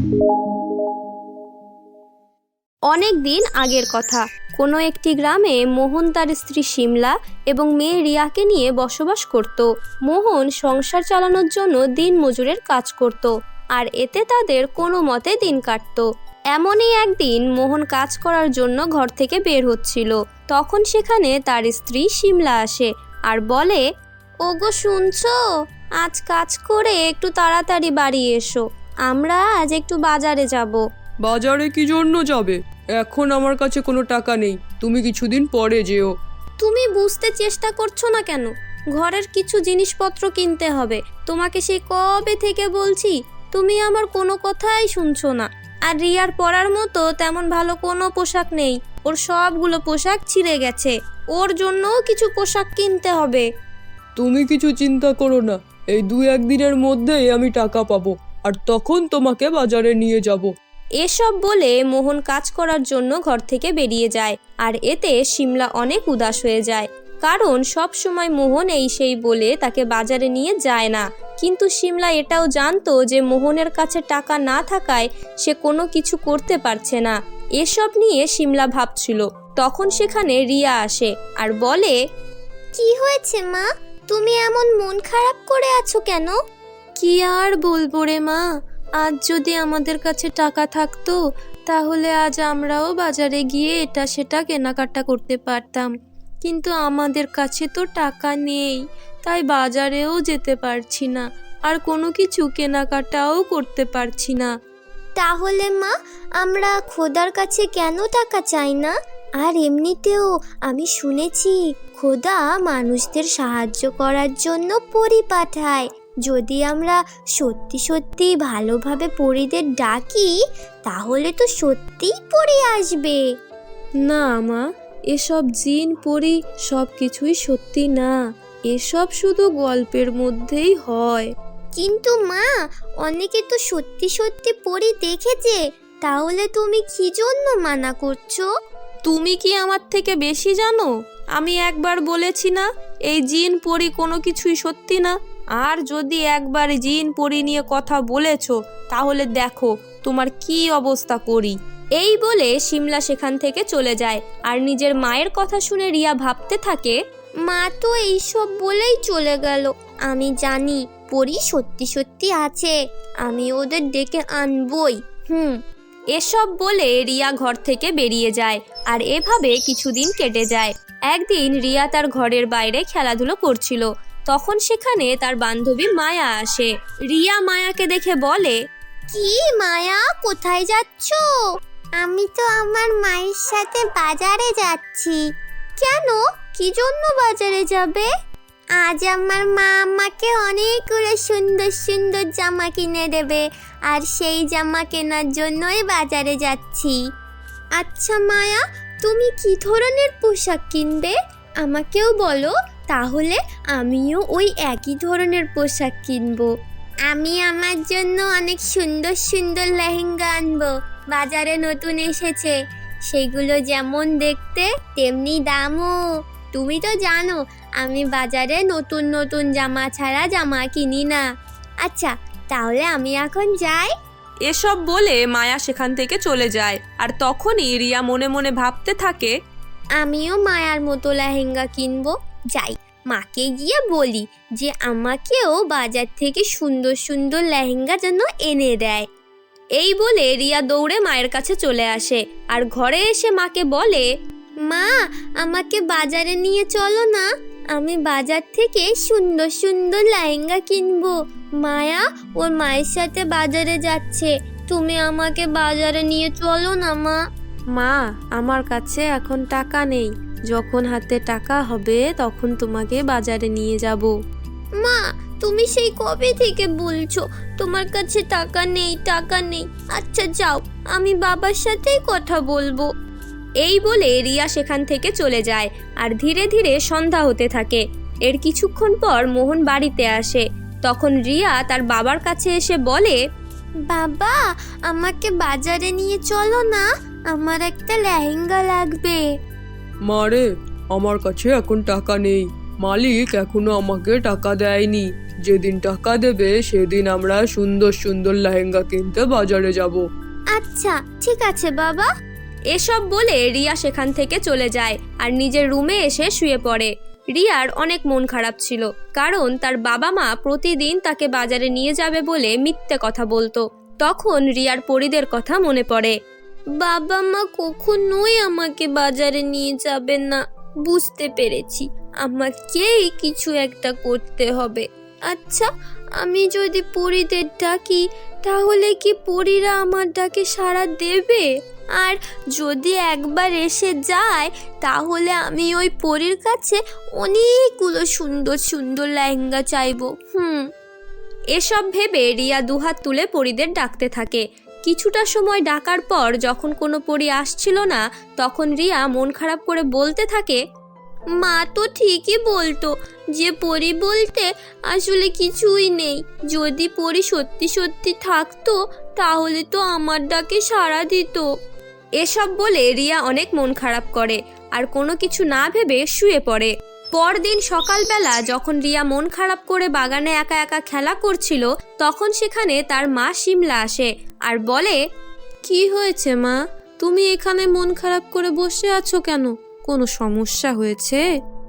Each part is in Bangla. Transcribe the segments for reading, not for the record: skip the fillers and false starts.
অনেক দিন আগের কথা। কোনো একটি গ্রামে মোহন তার স্ত্রী শিমলা এবং মেয়ে রিয়াকে নিয়ে বসবাস করত। মোহন সংসার চালানোর জন্য দিন মজুরের কাজ করত, আর এতে তাদের কোনো মতে দিন কাটত। এমনই একদিন মোহন কাজ করার জন্য ঘর থেকে বের হচ্ছিল। তখন সেখানে তার স্ত্রী শিমলা আসে আর বলে, ওগো শুনছো, আজ কাজ করে একটু তাড়াতাড়ি বাড়ি এসো, আমরা আজ একটু বাজারে যাব। বাজারে কি জন্য যাবে? এখন আমার কাছে কোনো টাকা নেই, তুমি কিছুদিন পরে যেও। তুমি বুঝতে চেষ্টা করছো না কেন? ঘরের কিছু জিনিসপত্র কিনতে হবে। তোমাকে সেই কবে থেকে বলছি, তুমি আমার কোনো কথাই শুনছো না। আর রিয়ার পরার মতো তেমন ভালো কোনো পোশাক নেই, ওর সবগুলো পোশাক ছিঁড়ে গেছে। ওর জন্যও কিছু পোশাক কিনতে হবে। তুমি কিছু চিন্তা করো না, এই 2-1 দিনের মধ্যেই আমি টাকা পাবো, আর তখন তোমাকে বাজারে নিয়ে যাব। এসব বলে মোহন কাজ করার জন্য ঘর থেকে বেরিয়ে যায়, আর এতে শিমলা অনেক উদাস হয়ে যায়। কারণ সব সময় মোহন এই সেই বলে তাকে বাজারে নিয়ে যায় না। কিন্তু শিমলা এটাও জানতো যে মোহনের কাছে টাকা না থাকায় সে কোনো কিছু করতে পারছে না। এসব নিয়ে শিমলা ভাবছিল। তখন সেখানে রিয়া আসে আর বলে, কি হয়েছে মা, তুমি এমন মন খারাপ করে আছো কেন? কি আর বলবো রে মা, আজ যদি আমাদের কাছে টাকা থাকতো তাহলে আজ আমরাও বাজারে গিয়ে এটা সেটা কেনাকাটা করতে পারতাম, কিন্তু আমাদের কাছে তো টাকা নেই, তাই বাজারেও যেতে পারছি না, আর কোনো কিছু কেনাকাটাও করতে পারছি না। তাহলে মা, আমরা খোদার কাছে কেন টাকা চাই না? আর এমনিতেও আমি শুনেছি খোদা মানুষদের সাহায্য করার জন্য পরী পাঠায়। যদি আমরা সত্যি সত্যি ভালোভাবে পরীদের ডাকি তাহলে তো সত্যিই পরী আসবে। না মা, এসব জিন পরী সব কিছুই সত্যি না, এসব শুধু গল্পের মধ্যেই হয়। কিন্তু মা, অনেকে তো সত্যি সত্যি পরী দেখেছে, তাহলে তুমি কি জন্য মানা করছো? তুমি কি আমার থেকে বেশি জানো? আমি একবার বলেছি না, এই জিন পরী কোনো কিছুই সত্যি না। আর যদি একবার জিন পরী নিয়ে কথা বলেছো তাহলে দেখো তোমার কি অবস্থা করি। এই বলে শিমলা সেখান থেকে চলে যায়। আর নিজের মায়ের কথা শুনে রিয়া ভাবতে থাকে, মা তো এইসব বলেই চলে গেল। আমি জানি পরী সত্যি সত্যি আছে, আমি ওদের ডেকে আনবই। এসব বলে রিয়া ঘর থেকে বেরিয়ে যায়। আর এভাবে কিছুদিন কেটে যায়। একদিন রিয়া তার ঘরের বাইরে খেলাধুলো করছিল। তখন সেখানে তার বান্ধবী মায়া আসে। রিয়া মায়াকে দেখে বলে, কি মায়া, কোথায় যাচ্ছ? আমি তো আমার মায়ের সাথে বাজারে যাচ্ছি। কেন, কি জন্য বাজারে যাবে? আজ আমার মা আমাকে অনেকগুলো সুন্দর সুন্দর জামা কিনে দেবে, আর সেই জামা কেনার জন্যই বাজারে যাচ্ছি। আচ্ছা মায়া, তুমি কি ধরনের পোশাক কিনবে আমাকেও বলো, তাহলে আমিও ওই একই ধরনের পোশাক কিনবো। আমি আমার জন্য অনেক সুন্দর সুন্দর লেহেঙ্গা আনবো, বাজারে নতুন এসেছে। সেগুলো যেমন দেখতে তেমনি দামও। তুমি তো জানো আমি বাজারে নতুন নতুন জামা ছাড়া জামা কিনি না। আচ্ছা, তাহলে আমি এখন যাই। এসব বলে মায়া সেখান থেকে চলে যায়। আর তখনই রিয়া মনে মনে ভাবতে থাকে, আমিও মায়ার মতো লেহেঙ্গা কিনবো। যাই, মাকে গিয়ে বলি যে আমাকেও বাজার থেকে সুন্দর সুন্দর লেহেঙ্গা যেন এনে দেয়। এই বলে রিয়া দৌড়ে মায়ের কাছে চলে আসে আর ঘরে এসে মাকে বলে, মা, আমাকে বাজারে নিয়ে চলো না, আমি বাজার থেকে সুন্দর সুন্দর লেহেঙ্গা কিনবো। মায়া ওর মায়ের সাথে বাজারে যাচ্ছে, তুমি আমাকে বাজারে নিয়ে চলো না মা। মা, আমার কাছে এখন টাকা নেই, যখন হাতে টাকা হবে তখন তোমাকে বাজারে নিয়ে যাব। মা, তুমি সেই কবে থেকে বলছো তোমার কাছে টাকা নেই টাকা নেই। আচ্ছা যাও, আমি বাবার সাথেই কথা বলবো। এই বলে রিয়া সেখান থেকে চলে যায়। আর ধীরে ধীরে সন্ধ্যা হতে থাকে। এর কিছুক্ষণ পর মোহন বাড়িতে আসে। তখন রিয়া তার বাবার কাছে এসে বলে, বাবা, আমাকে বাজারে নিয়ে চলো না, আমার একটা লেহেঙ্গা লাগবে। মারে, আমার কাছে এখন টাকা নেই, মালিক এখনো আমাকে টাকা দেয়নি। যেদিন টাকা দেবে সেদিন আমরা সুন্দর সুন্দর লেহেঙ্গা কিনতে বাজারে যাব। আচ্ছা ঠিক আছে বাবা। এসব বলে রিয়া সেখান থেকে চলে যায় আর নিজের রুমে এসে শুয়ে পড়ে। রিয়ার অনেক মন খারাপ ছিল, কারণ তার বাবা মা প্রতিদিন তাকে বাজারে নিয়ে যাবে বলে মিথ্যে কথা বলতো। তখন রিয়ার পরীদের কথা মনে পড়ে। বাবা মা কখনোই আমাকে বাজারে নিয়ে যাবেন না। বুঝতে পেরেছি, আমাকেই কিছু একটা করতে হবে। আচ্ছা, আমি যদি পরীদের ডাকি তাহলে কি পরীরা আমার ডাকে সাড়া দেবে? আর যদি একবার এসে যায় তাহলে আমি ওই পরীর কাছে অনেকগুলো সুন্দর সুন্দর লেহেঙ্গা চাইবো। এসব ভেবে রিয়া দুহাত তুলে পরীদের ডাকতে থাকে। কিছুটা সময় ডাকার পর যখন কোনো পরী আসছিল না, তখন রিয়া মন খারাপ করে বলতে থাকে, মা তো ঠিকই বলতো যে পরী বলতে আসলে কিছুই নেই। যদি পরী সত্যি সত্যি থাকতো তাহলে তো আমার ডাকে সাড়া দিত। এসব বলে রিয়া অনেক মন খারাপ করে আর কোনো কিছু না ভেবে শুয়ে পড়ে। পরদিন সকালবেলা যখন রিয়া মন খারাপ করে বাগানে একা একা খেলা করছিল, তখন সেখানে তার মা শিমলা আসে আর বলে, কি হয়েছে মা, তুমি এখানে মন খারাপ করে বসে আছো কেন? কোনো সমস্যা হয়েছে?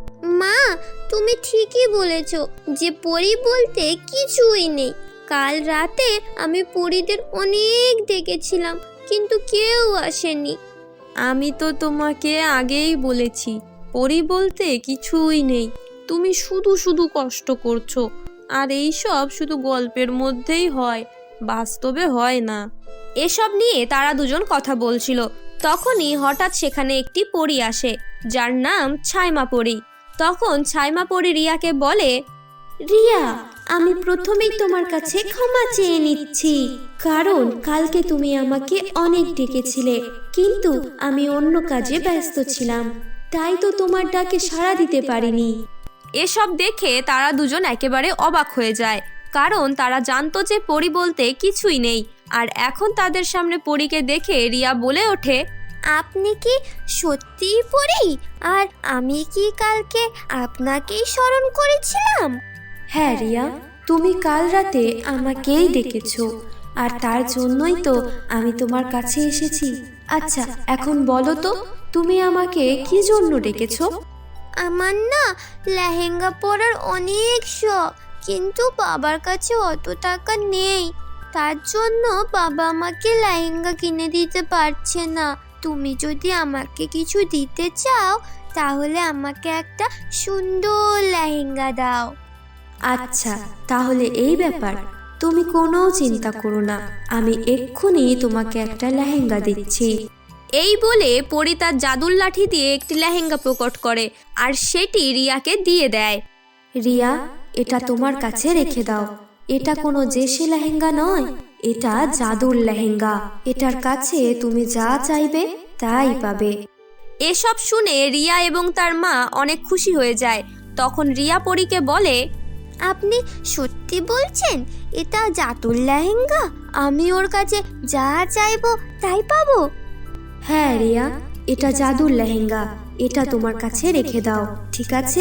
মা, তুমি ঠিকই বলেছ যে পরী বলতে কিছুই নেই। কাল রাতে আমি পরীদের অনেক ডেকেছিলাম কিন্তু কেউ আসেনি। আমি তো তোমাকে আগেই বলেছি, পরী বলতে কিছুই নেই। তুমি শুধু শুধু কষ্ট করছো, আর এই সব শুধু গল্পের মধ্যেই হয়, বাস্তবে হয় না। এসব নিয়ে তারা দুজন কথা বলছিল। তখনই হঠাৎ সেখানে একটি পরী আসে, যার নাম ছাইমা পরী। তখন ছাইমা পরী রিয়াকে বলে, রিয়া, আমি প্রথমেই তোমার কাছে ক্ষমা চেয়ে নিচ্ছি, কারণ কালকে তুমি আমাকে অনেক ডেকেছিলে কিন্তু আমি অন্য কাজে ব্যস্ত ছিলাম, তাই তো তোমার ডাকে সাড়া দিতে পারিনি। এসব দেখে তারা দুজন একেবারে অবাক হয়ে যায়, কারণ তারা জানতো যে পরী বলতে কিছুই নেই। আর এখন তাদের সামনে পরীকে দেখে রিয়া বলে ওঠে, আপনি কি সত্যিই পরী? আর আমি কি কালকে আপনাকেই স্মরণ করেছিলাম? হ্যাঁ রিয়া, তুমি কাল রাতে আমাকেই ডেকেছো, আর তার জন্যই তো আমি তোমার কাছে এসেছি। আচ্ছা, এখন বলো তো তুমি আমাকে কি জন্য ডেকেছো? আমার না লেহেঙ্গা পরার অনেক শখ, কিন্তু বাবার কাছে অত টাকা নেই। তার জন্য বাবা আমাকে লেহেঙ্গা কিনে দিতে পারছে না। তুমি যদি আমাকে কিছু দিতে চাও তাহলে আমাকে একটা সুন্দর লেহেঙ্গা দাও। আচ্ছা, তাহলে এই ব্যাপার, তুমি কোনো চিন্তা করো না, আমি এক্ষুনি তোমাকে একটা লেহেঙ্গা দিচ্ছি। এই বলে পরী তার জাদুর লাঠি দিয়ে একটি লেহেঙ্গা প্রকট করে আর সেটি রিয়াকে দিয়ে দেয়। রিয়া, এটা তোমার কাছে রেখে দাও। এটা কোনো দেশি লেহেঙ্গা নয়, এটা জাদুর লেহেঙ্গা। এটার কাছে তুমি যা চাইবে তাই পাবে। এসব শুনে রিয়া এবং তার মা অনেক খুশি হয়ে যায়। তখন রিয়া পরীকে বলে, আপনি সত্যি বলছেন এটা জাদুর লেহেঙ্গা? আমি ওর কাছে যা চাইবো তাই পাবো? হ্যাঁ রিয়া, এটা জাদুর লেহেঙ্গা। এটা তোমার কাছে রেখে দাও, ঠিক আছে?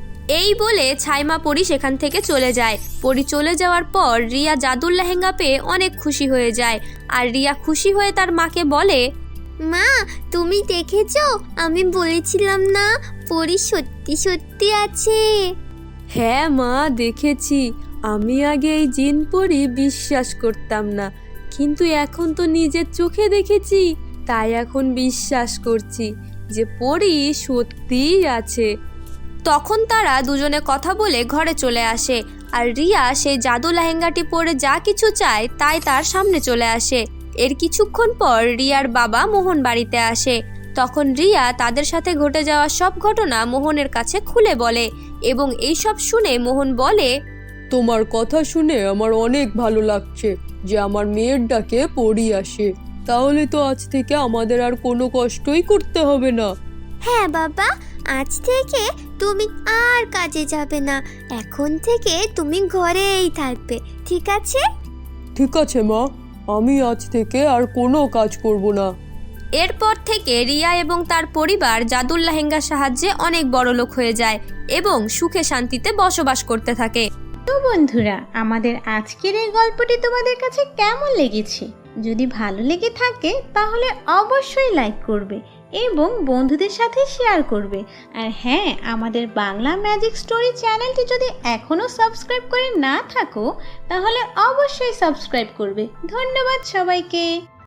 এই বলে ছাইমা পরী সেখান থেকে চলে যায়। পরী চলে যাওয়ার পর রিয়া জাদুর লেহেঙ্গা পেয়ে অনেক খুশি হয়ে যায়। আর রিয়া খুশি হয়ে তার মাকে বলে, মা, তুমি দেখেছো আমি বলেছিলাম না পরী সত্যি সত্যি আছে? হ্যাঁ মা, দেখেছি। আমি আগে এই জিন পরী বিশ্বাস করতাম না, কিন্তু এখন তো নিজের চোখে দেখেছি, তাই এখন বিশ্বাস করছি যে পরী সত্যিই আছে। তখন তারা দুজনে কথা বলে ঘরে চলে আসে আর রিয়া সেই জাদু লেহেঙ্গাটি পরে যা কিছু চায় তাই তার সামনে চলে আসে। এর কিছুক্ষণ পর রিয়ার বাবা মোহন বাড়িতে আসে। তখন রিয়া তাদের সাথে ঘটে যাওয়া সব ঘটনা মোহনের কাছে খুলে বলে এবং এই সব শুনে মোহন বলে, তোমার কথা শুনে আমার অনেক ভালো লাগছে যে আমার মেয়ের ডাকে পরী আসে। তাহলে তো আজ থেকে আমাদের আর কোনো কষ্টই করতে হবে না। হ্যাঁ বাবা, আজ থেকে তুমি আর কাজে যাবে না। এখন থেকে তুমি ঘরেই থাকবে, ঠিক আছে? ঠিক আছে মা, আমি আজ থেকে আর কোনো কাজ করব না। এরপর থেকে রিয়া এবং তার পরিবার জাদুর লেহেঙ্গার সাহায্যে অনেক বড়লোক হয়ে যায় এবং সুখে শান্তিতে বসবাস করতে থাকে। তো বন্ধুরা, আমাদের আজকের এই গল্পটি তোমাদের কাছে কেমন লেগেছে? যদি ভালো লেগে থাকে তাহলে অবশ্যই লাইক করবে এবং বন্ধুদের সাথে শেয়ার করবে। আর হ্যাঁ, আমাদের বাংলা ম্যাজিক স্টোরি চ্যানেলটি যদি এখনও সাবস্ক্রাইব করে না থাকো তাহলে অবশ্যই সাবস্ক্রাইব করবে। ধন্যবাদ সবাইকে।